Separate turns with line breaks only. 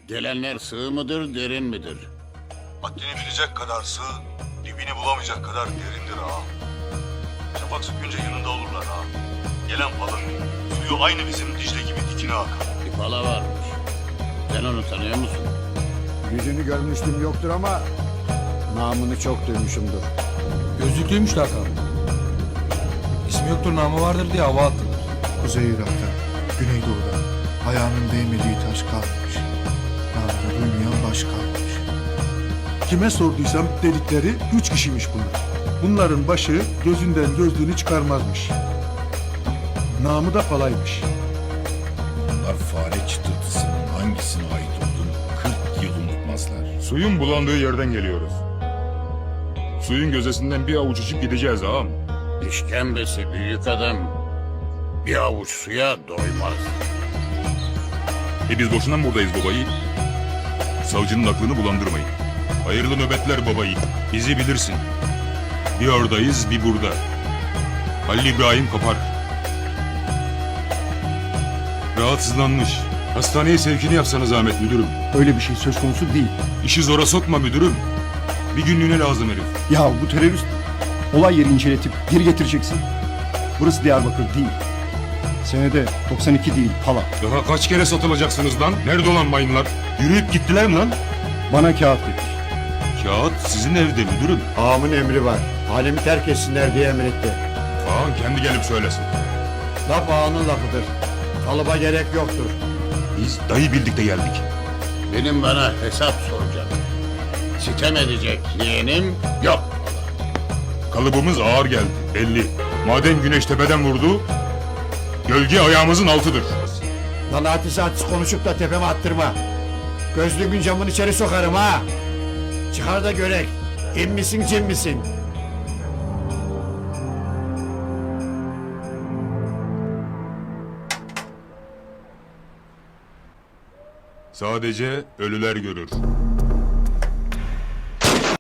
Gelenler sığ mıdır, derin midir?
Haddini bilecek kadar sığ, dibini bulamayacak kadar derindir ağam. Şafak sökünce yanında olurlar ağam. Gelen balık, suyu aynı bizim Dicle gibi dikine akar.
Bir pala varmış. Sen onu tanıyor musun?
Yüzünü görmüştüm yoktur ama namını çok duymuşumdur.
Gözlüklüymüş lakabı. İsmi yoktur namı vardır diye hava attılar.
Kuzey Irak'ta, Güneydoğu'da ayağının değmediği taş kalmamış. Namını duymayan baş kalmamış.
Kime sorduysam dedikleri 3 kişiymiş bunlar. Bunların başı gözünden gözlüğünü çıkarmazmış. Namı da palaymış.
Bunlar fare çıtırtısının hangisine ait olduğunu 40 yıl unutmazlar.
Suyun bulandığı yerden geliyoruz. Suyun gözesinden bir avuç içip gideceğiz ağam.
İşkembesi büyük adam bir avuç suya doymaz.
Biz boşuna mı buradayız babayı? Savcının aklını bulandırmayın. Hayırlı nöbetler babayı. Bizi bilirsin. Bir oradayız, bir burada. Halil İbrahim Kapar. Rahatsızlanmış. Hastaneye sevkini yapsanız zahmet müdürüm.
Öyle bir şey söz konusu değil.
İşi zora sokma müdürüm. Bir günlüğüne lazım herif.
Ya bu terörist olay yeri inceletip geri getireceksin. Burası Diyarbakır değil. Senede 92 değil pala.
Daha kaç kere satılacaksınız lan? Nerede olan mayınlar? Yürüyüp gittiler mi lan?
Bana kağıt getir.
Kağıt sizin evde müdürüm.
Ağamın emri var. Halimi terk etsinler diye emretti.
Kaan kendi gelip söylesin.
Laf ağanın lafıdır. Kalıba gerek yoktur.
Biz dayı bildik de geldik.
Benim bana hesap soracak. Sitem edecek yeğenim yok.
Kalıbımız ağır geldi belli. Maden güneş tepeden vurdu, gölge ayağımızın altıdır.
Lan hadis konuşup da tepeme attırma. Gözlüğün camını içeri sokarım ha. Çıkar da görek. İn misin cin misin?
Sadece ölüler görür.